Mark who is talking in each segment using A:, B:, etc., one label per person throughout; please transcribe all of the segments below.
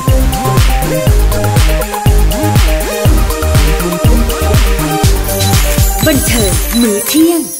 A: บันเทิงมื้อเที่ยง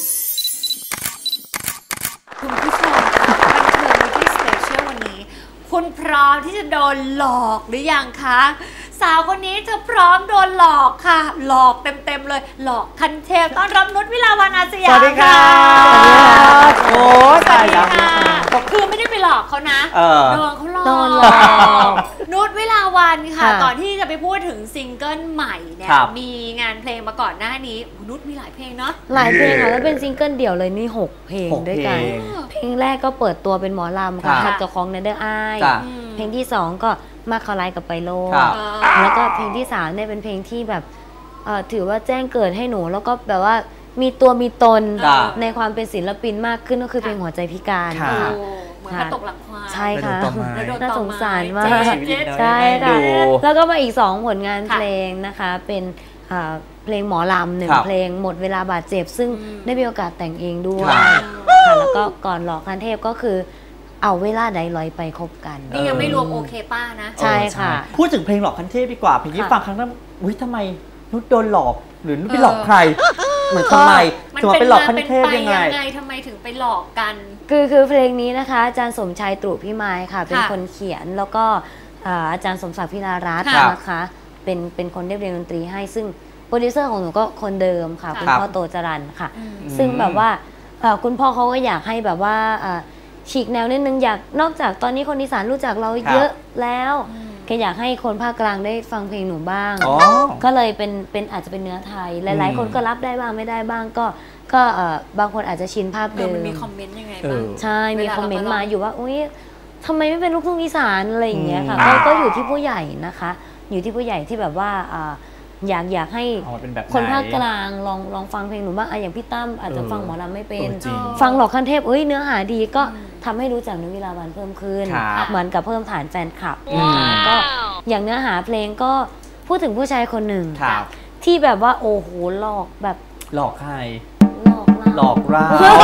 A: คุณผู้ชมคะบันเทิงมื้อที่สเปเชียลวันนี้คุณพร้อมที่จะโดนหลอกหรือยังคะสาวคนนี้เธอพร้อมโดนหลอกค่ะหลอกเต็มๆเลยหลอกคันเทพต้อนรับนุชวิลาวันอาสยาม
B: สวัสดีค่ะโอ้
A: สวัสดีค่ะคือไม่ได้ไปหลอกเขานะโดนเขาหลอกนุชวิลาวันค่ะก่อนที่จะไปพูดถึงซิงเกิลใหม่เนี่ยมีงานเพลงมาก่อนหน้านี้นุชมีหลายเพลงเนาะ
C: หลายเพลงค่ะแล้วเป็นซิงเกิลเดี่ยวเลยนี่6เพลงด้วยกันเพลงแรกก็เปิดตัวเป็นหมอลำค่ะหัดกับของเนเดอร์ไอเพลงที่2ก็มาคาไลกับไปโลแล้วก็เพลงที่3เนี่ยเป็นเพลงที่แบบถือว่าแจ้งเกิดให้หนูแล้วก็แบบว่ามีตัวมีตนในความเป็นศิลปินมากขึ้นก็คือเพลงหัวใจพิการค่ะ
A: เหมือนกระตกหลังควาย
C: ใช่ค่ะน่าสงสารมาก
B: ใช่
C: ค่ะแล้วก็มาอีก2ผลงานเพลงนะคะเป็นเพลงหมอลำ1เพลงหมดเวลาบาดเจ็บซึ่งได้มีโอกาสแต่งเองด้วยค่ะแล้วก็ก่อนหลอกคันเทพก็คือเอาเวลาใดลอยไปคบกัน
A: นี่ยังไม่รวมโอเคป้านะ
C: ใช่ค่ะ
B: พูดถึงเพลงหลอกคันเทพดีกว่าเพลงที่ฟังครั้งนั้นอุ้ยทำไมนุชโดนหลอกหรือนุชไปหลอกใครเหมือนทำไมถึงมาเป็นหลอกคันเทพยังไง
A: ทำไมถึงไปหลอกกัน
C: คือเพลงนี้นะคะอาจารย์สมชายตรุพิมายค่ะเป็นคนเขียนแล้วก็อาจารย์สมศักดิ์พิลารัตน์นะคะเป็นคนเรียบเรียงดนตรีให้ซึ่งโปรดิวเซอร์ของหนูก็คนเดิมค่ะคุณพ่อโตจรัญค่ะซึ่งแบบว่าคุณพ่อเขาก็อยากให้แบบว่าฉีกแนวนิดนึงอยากนอกจากตอนนี้คนอีสานรู้จักเราเยอะแล้วแกอยากให้คนภาคกลางได้ฟังเพลงหนูบ้างก็เลยเป็นอาจจะเป็นเนื้อไทยหลายๆคนก็รับได้บ้างไม่ได้บ้างก็บางคนอาจจะชินภาพเดิม
A: มันมีคอมเมนต์ยังไงบ้าง
C: ใช่มีคอมเมนต์มาอยู่ว่าอุ้ยทำไมไม่เป็นลูกทุ่งอีสานอะไรอย่างเงี้ยค่ะก็อยู่ที่ผู้ใหญ่นะคะอยู่ที่ผู้ใหญ่ที่แบบว่าอยากให้คนภาคกลางลองฟังเพลงหนูบ้างอย่างพี่ตั้มอาจจะฟังหมอลำไม่เป็นฟังหลอกคันเทพเนื้อหาดีก็ทำให้รู้จักนุชวิลาวันเพิ่มขึ้นเหมือนกับเพิ่มฐานแฟนคลับก็อย่างเนื้อหาเพลงก็พูดถึงผู้ชายคนหนึ่งที่แบบว่าโอ้โหหลอกแบบ
B: หลอกใคร
C: หลอกเรา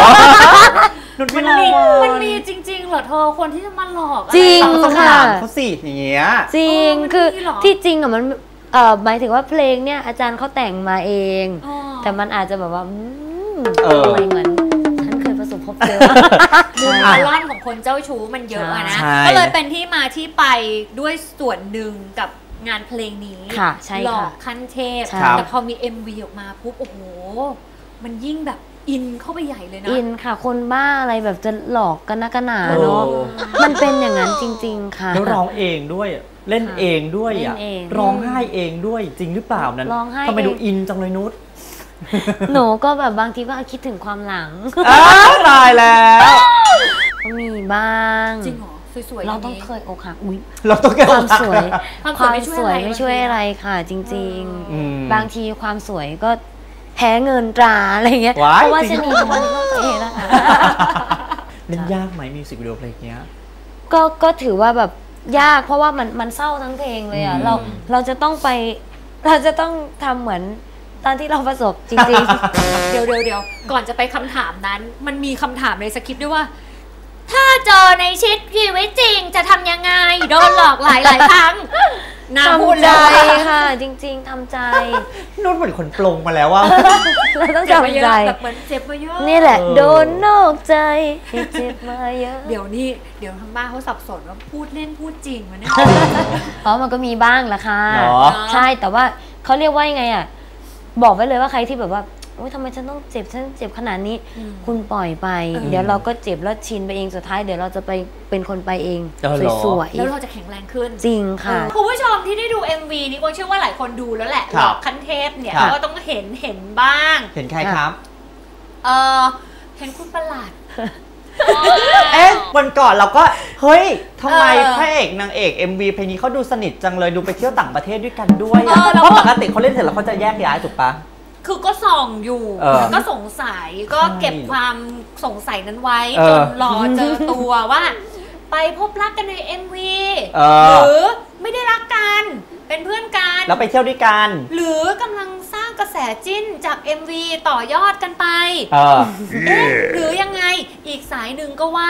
A: มันมีจริงๆเหรอเธอคนที่จะมาหลอก
C: จริงค่ะ
B: เขาสิอย่างเงี้ย
C: จริงคือที่จริงอะมันหมายถึงว่าเพลงเนี่ยอาจารย์เขาแต่งมาเองแต่มันอาจจะแบบว่าอะไรเหมือนฉันเคยประสบพบเจอ
A: มุมอารมณ์ของคนเจ้าชู้มันเยอะนะก็เลยเป็นที่มาที่ไปด้วยส่วนหนึ่งกับงานเพลงนี้หลอกคันเทพแต่พอมี MV ออกมาปุ๊บโอ้โหมันยิ่งแบบอินเข้าไปใหญ่เลยนะ
C: อินค่ะคนบ้าอะไรแบบจะหลอกกันนักหนาเนาะมันเป็นอย่างนั้นจริงๆค่ะ
B: แล้วร้องเองด้วยเล่นเองด้วยร้องไห้เองด้วยจริงหรือเปล่านั้นทำไมดูอินจังเลยนุช
C: หนูก็แบบบางทีก็คิดถึงความหลัง
B: ตายแล้ว
C: ก็มีบ้าง
A: จริงเหรอสวยๆ
C: เราต้องเคยอกหัก
B: เราต้อง
C: ความสวยไม่ช่วยอะไรค่ะจริงๆบางทีความสวยก็แพ้เงินตราอะไรเงี้ยเพราะว่าชนีของมันก็เองนะคะ
B: เล่นยากไหมมิวสิกวิดีโอเพลงเนี้ย
C: ก็ถือว่าแบบยากเพราะว่ามันเศร้าทั้งเพลงเลยอ่ะเราจะต้องทำเหมือนตอนที่เราประสบจริง
A: ๆเดี๋ยวก่อนจะไปคำถามนั้นมันมีคำถามในสคริปต์ด้วยว่าถ้าเจอในชีวิตจริงจะทำยังไงโดนหลอกหลายครั้ง
C: ทำใจค่ะจริงๆทำใจ
B: นุ่นเหมือนคนปลงมาแล้วว่า
C: เราต้องทำใจ
A: แบบเหมือนเจ็บมาเยอะ
C: นี่แหละโดนนอกใจเจ็บมาเยอะ
A: เดี๋ยวทางบ้านเขาสับสนว่าพูดเล่นพูดจริงมันเนี่ย
C: เพราะมันก็มีบ้างละค่ะใช่แต่ว่าเขาเรียกว่ายังไงอ่ะบอกไว้เลยว่าใครที่แบบว่าโอ๊ยทำไมฉันเจ็บขนาดนี้คุณปล่อยไปเดี๋ยวเราก็เจ็บแล้วชินไปเองสุดท้ายเดี๋ยวเราจะไปเป็นคนไปเองสวย
A: ๆแล้วเราจะแข็งแรงขึ้น
C: จริงค่ะ
A: คุณผู้ชมที่ได้ดู MV นี้ก็เชื่อว่าหลายคนดูแล้วแหละหลอกคันเทพเนี่ยก็ต้องเห็นบ้าง
B: เห็นใครครับ
A: เห็นคุณประหลาด
B: วันก่อนเราก็เฮ้ยทำไมพระเอกนางเอก MV เพลงนี้เขาดูสนิทจังเลยดูไปเที่ยวต่างประเทศด้วยกันด้วยเพราะปกติเขาเล่นเสร็จแล้วเขาจะแยกย้ายถูกปะ
A: คือก็ส่องอยู่ก็สงสัยก็เก็บความสงสัยนั้นไว้จนรอเจอตัวว่าไปพบรักกันใน MV หรือไม่ได้รักกันเป็นเพื่อนกัน
B: แล้วไปเที่ยวด้วยกัน
A: หรือกำลังสร้างกระแสจิ้นจาก MV ต่อยอดกันไปหรือยังไงอีกสายหนึ่งก็ว่า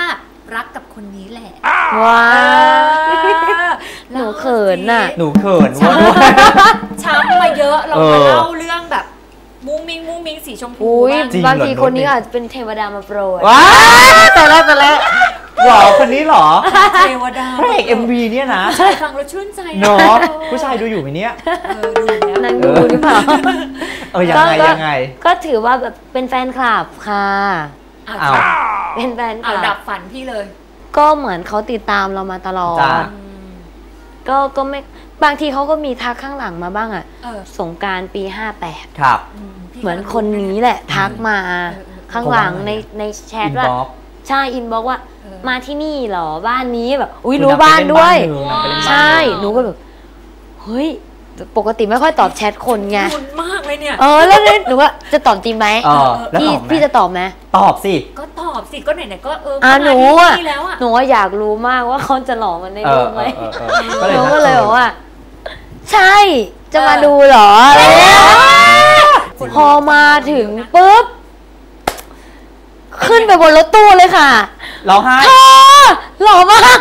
A: รักกับคนนี้แหละ
C: ว้าวหนูเขินน่ะ
B: หนูเขินว่า
A: ช้ำมาเยอะเรามาเล่าเรื่องแบบมุ้งมิ้งสีชมพู
C: บางทีคนนี้อาจจะเป็นเทวดามาโปรด
B: ว้าแต่ละหรอคนนี้หรอ
A: เทวดา
B: พระเอก MV เนี่ยนะ
A: ฟังแล้วชื่นใจ
B: เนาะผู้ชายดูอยู่ไหมเนี่ย
A: ดูแล้ว
C: นั่งดูหรือเปล่า
B: ยังไง
C: ก็ถือว่าแบบเป็นแฟนคลับค่ะเป็นแฟนคลับ
A: ดับฝันพี่เลย
C: ก็เหมือนเขาติดตามเรามาตลอดก็ไม่บางทีเขาก็มีทักข้างหลังมาบ้างอ่ะสงกรานต์ปี58
B: ครับ
C: เหมือนคนนี้แหละทักมาข้างหลังในแชทว่าใช่อินบอกว่ามาที่นี่เหรอบ้านนี้แบบอุ้ยรู้บ้านด้วยใช่หนูก็แบบเฮ้ยปกติไม่ค่อยตอบแชทคนไง
A: คุณมากเลยเนี่ย
C: แล้วหนูว่าจะตอบจริงไหมพี่จะตอบไหม
B: ตอบสิ
A: ก็ตอบสิก็ไหนๆก็
C: หนูอยากรู้มากว่าเขาจะหลอกมันในรูปไหมหนูก็เลยบอกว่าใช่จะมาดูเหรอพอมาถึงปุ๊บขึ้นไปบนรถตู้เลยค่ะ
B: ร้องไห้
C: หล่อมาก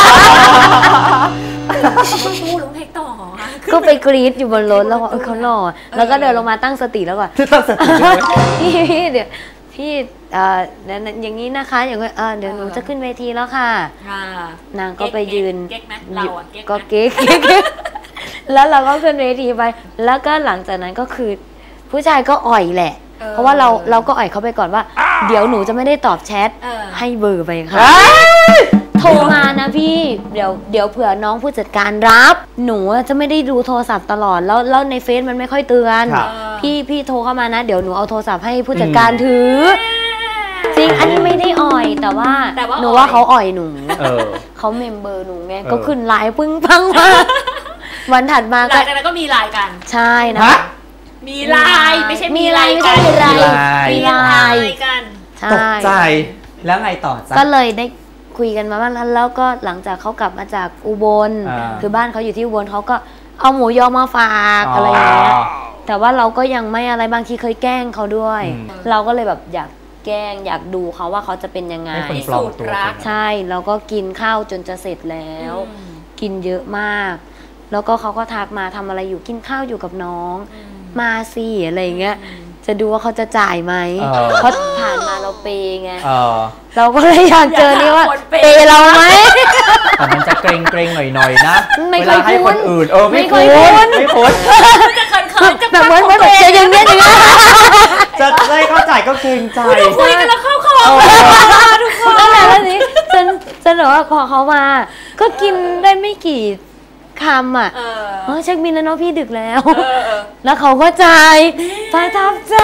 A: ตู้ร้องเพลงต่อ
C: ก็ไปกรี๊ดอยู่บนรถแล้วว่าเขาหล่อแล้วก็เดินลงมาตั้งสติแล้วก่อน
B: ตั้งสติ
C: พี่เดี๋ยวพี่อย่างนี้นะคะอย่างเดี๋ยวหนูจะขึ้นเวทีแล้วค่ะนางก็ไปยืนก็เก๊กแล้วเราก็ขึ้นเวทีไปแล้วก็หลังจากนั้นก็คือผู้ชายก็อ่อยแหละเพราะว่าเราก็อ่อยเขาไปก่อนว่าเดี๋ยวหนูจะไม่ได้ตอบแชทให้เบอร์ไปค่ะโทรมานะพี่เดี๋ยวเผื่อน้องผู้จัดการรับหนูจะไม่ได้ดูโทรศัพท์ตลอดแล้วในเฟซมันไม่ค่อยเตือนพี่โทรเข้ามานะเดี๋ยวหนูเอาโทรศัพท์ให้ผู้จัดการถือจริงอันนี้ไม่ได้อ่อยแต่ว่าหนูว่าเขาอ่อยหนูเขาเมมเบอร์หนูไงก็ขึ้นไลน์ปึ้งปังมาวันถัดมา
A: หลังจากนั้นก็มีไลน์กัน
C: ใช่นะ
A: มีไลน์ไม่ใช่มีไลน์กัน
C: มีไลน์
A: กัน
B: ตกใจแล้วไงต่อ
C: ก็เลยได้คุยกันมาบ้างแล้วก็หลังจากเขากลับมาจากอุบลคือบ้านเขาอยู่ที่อุบลเขาก็เอาหมูยอมาฝากอะไรอย่างเงี้ยแต่ว่าเราก็ยังไม่อะไรบางทีเคยแกล้งเขาด้วยเราก็เลยแบบอยากแกล้งอยากดูเขาว่าเขาจะเป็นยังไง
A: สูตรรัก
C: ใช่เราก็กินข้าวจนจะเสร็จแล้วกินเยอะมากแล้วก็เขาก็ทักมาทำอะไรอยู่กินข้าวอยู่กับน้องมาสิอะไรเงี้ยจะดูว่าเขาจะจ่ายไหมเขาผ่านมาเราเปย์ไงเราก็เลยอยากเจอนี่ว่าเปย์เราไหม
B: แต่มันจะเกรงหน่อยๆนะ
C: เวลา
B: ให้คนอื่นไม่คุ้น
A: จะเขิน
C: แบบเหมือนแบบจะอย่างเงี้ย
B: จะได้เข้าใจก็เกรงใจ
A: คุยกันแล้วเข้าคอทุกคน
C: แล้วนี้จนว่าพอเขามาก็กินได้ไม่กี่คำอ่ะเช็คบินแล้วเนาะพี่ดึกแล้วแล้วเขาก็จ่ายประทับใจ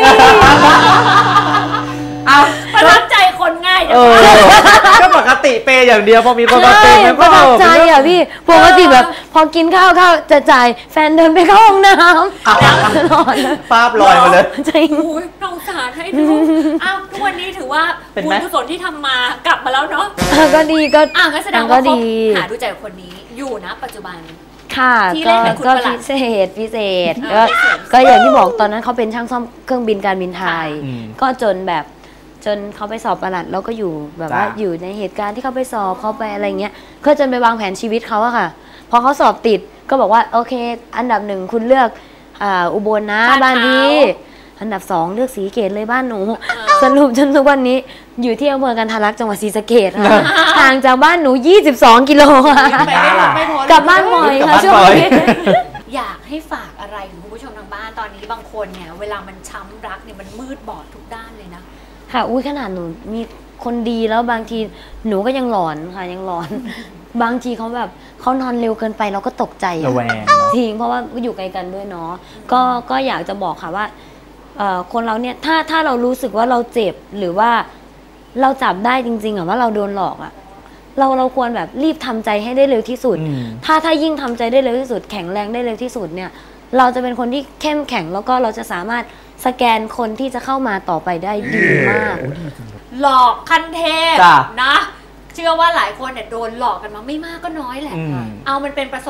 A: ประทับใจคนง่าย
B: ก็ปกติเปย์อย่างเดียวพอมีคนมาเปย์มัน
C: ก็ประทับใจอ่ะพี่ปกติแบบพอกินข้าวจะจ่ายแฟนเดินไปเข้าห้องน้ำตลอด
B: ภาพลอยมาเลย
C: จริง
A: สงสารให้ดูทุกวันนี้ถือว่าบุญกุศลที่ทำมากลับมาแล้วเนาะ
C: ก็ดีก็
A: งั้นแสดงว่าเขาหาดูใจคนนี้อยู่นะปัจจุบัน
C: ค่ะก็พิเศษก็อย่างที่บอกตอนนั้นเขาเป็นช่างซ่อมเครื่องบินการบินไทยก็จนเขาไปสอบประหลัดแล้วก็อยู่แบบว่าอยู่ในเหตุการณ์ที่เขาไปสอบเขาไปอะไรเงี้ยก็จนไปวางแผนชีวิตเขาอะค่ะพอเขาสอบติดก็บอกว่าโอเคอันดับ1คุณเลือกอุบลนะบ้านพี่อันดับ2เลือกศรีสะเกษเลยบ้านหนูสรุปจนทุกวันนี้อยู่ที่อำเภอกันทรลักษณ์จังหวัดศรีสะเกษค่ะห่างจากบ้านหนู22กิโลค่ะกลับบ้านบ่อยค่ะช่วงนี้
A: อยากให้ฝากอะไรถึงคุณผู้ชมทางบ้านตอนนี้บางคนเนี่ยเวลามันช้ำรักเนี่ยมันมืดบอดทุกด้านเลยนะ
C: ค่ะขนาดหนูมีคนดีแล้วบางทีหนูก็ยังหลอนค่ะยังหลอนบางทีเขาแบบเขานอนเร็วเกินไปเราก็ตกใจจริงเพราะว่าอยู่ไกลกันด้วยเนาะก็อยากจะบอกค่ะว่าคนเราเนี่ยถ้าเรารู้สึกว่าเราเจ็บหรือว่าเราจับได้จริงๆว่าเราโดนหลอกเราควรแบบรีบทำใจให้ได้เร็วที่สุดถ้ายิ่งทำใจได้เร็วที่สุดแข็งแรงได้เร็วที่สุดเนี่ยเราจะเป็นคนที่เข้มแข็งแล้วก็เราจะสามารถสแกนคนที่จะเข้ามาต่อไปได้ดีมาก
A: หลอกขั้นเทพนะเชื่อว่าหลายคนเนี่ยโดนหลอกกันมาไม่มากก็น้อยแหละเอามันเป็นประสบการณ์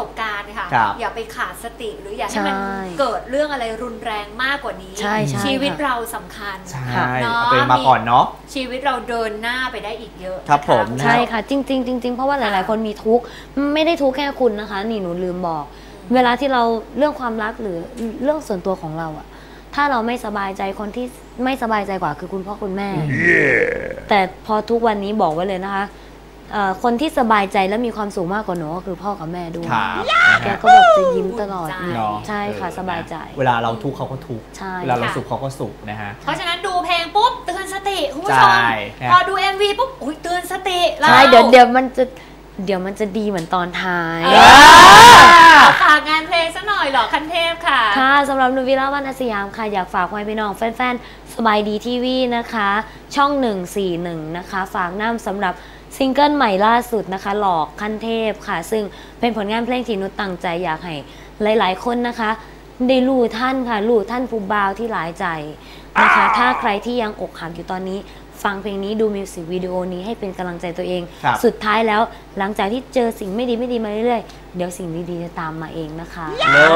A: ค่ะอย่าไปขาดสติหรืออย่าให้มันเกิดเรื่องอะไรรุนแรงมากกว่านี้ชีวิตเราสำคัญ
B: เป็นมาก่อนเนาะ
A: ชีวิตเราเดินหน้าไปได้อีกเยอะ
B: ครับผม
C: ใช่ค่ะจริงเพราะว่าหลายๆคนมีทุกข์ไม่ได้ทุกข์แค่คุณนะคะนี่หนูลืมบอกเวลาที่เราเรื่องความรักหรือเรื่องส่วนตัวของเราอะถ้าเราไม่สบายใจคนที่ไม่สบายใจกว่าคือคุณพ่อคุณแม่ แต่พอทุกวันนี้บอกไว้เลยนะคะคนที่สบายใจและมีความสุขมากกว่าหนูก็คือพ่อกับแม่ด้วยแกก็แบบจะยิ้มตลอดใช่ค่ะสบายใจ
B: เวลาเราทุกข์เขาก็ทุกข์เวลาเราสุขเขาก็สุขนะฮะ
A: เพราะฉะนั้นดูเพลงปุ๊บเตือนสติคุณผู้ชมพอดู MV ปุ๊บเตือนสติ
C: ใช่เดี๋ยวมันจะดีเหมือนตอนท้าย
A: ฝากงานเพลงซะหน่อยหรอคันเทพค่ะ
C: ค่ะสำหรับนุวิลาวันอาสยามค่ะอยากฝากไว้พี่น้องแฟนๆสบายดีทีวีนะคะช่อง141นะคะฝากน้ำสำหรับซิงเกิลใหม่ล่าสุดนะคะหลอกคันเทพค่ะซึ่งเป็นผลงานเพลงที่นุชตั้งใจอยากให้หลายๆคนนะคะได้รู้ท่านค่ะรู้ท่านผู้บ่าวที่หลายใจนะคะถ้าใครที่ยังอกหักอยู่ตอนนี้ฟังเพลงนี้ดูมิวสิกวิดีโอนี้ให้เป็นกำลังใจตัวเองสุดท้ายแล้วหลังจากที่เจอสิ่งไม่ดีมาเรื่อยๆเดี๋ยวสิ่งดีๆจะตามมาเองนะคะ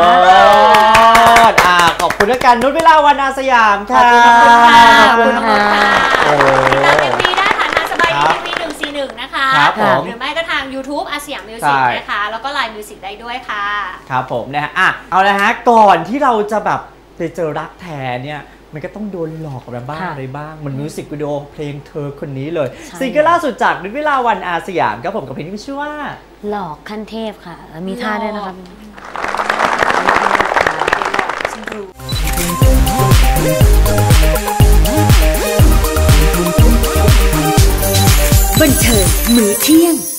B: ขอบคุณด้วยกันนุชวิลาวันอาสยามค่ะ
A: ขอบคุณค่ะติดตามMVได้ผ่านทางสบายดีทีวี141นะคะหรือไม่ก็ทาง YouTube อาสยามมิวสิกนะคะแล้วก็ LINE Music ได้ด้วยค่ะ
B: ครับผมนะฮะเอาละฮะก่อนที่เราจะแบบไปเจอรักแท้เนี่ยมันก็ต้องโดนหลอกอะไรบ้างมันมิวสิกวิดีโอเพลงเธอคนนี้เลยซิงเกิลล่าสุดจากนุชวิลาวันอาสยามครับผมกับเพลงที่ชื่อว่า
C: หลอกขั้นเทพค่ะมีท่าด้วยนะครับ
D: บันเทิงมื้อเที่ยง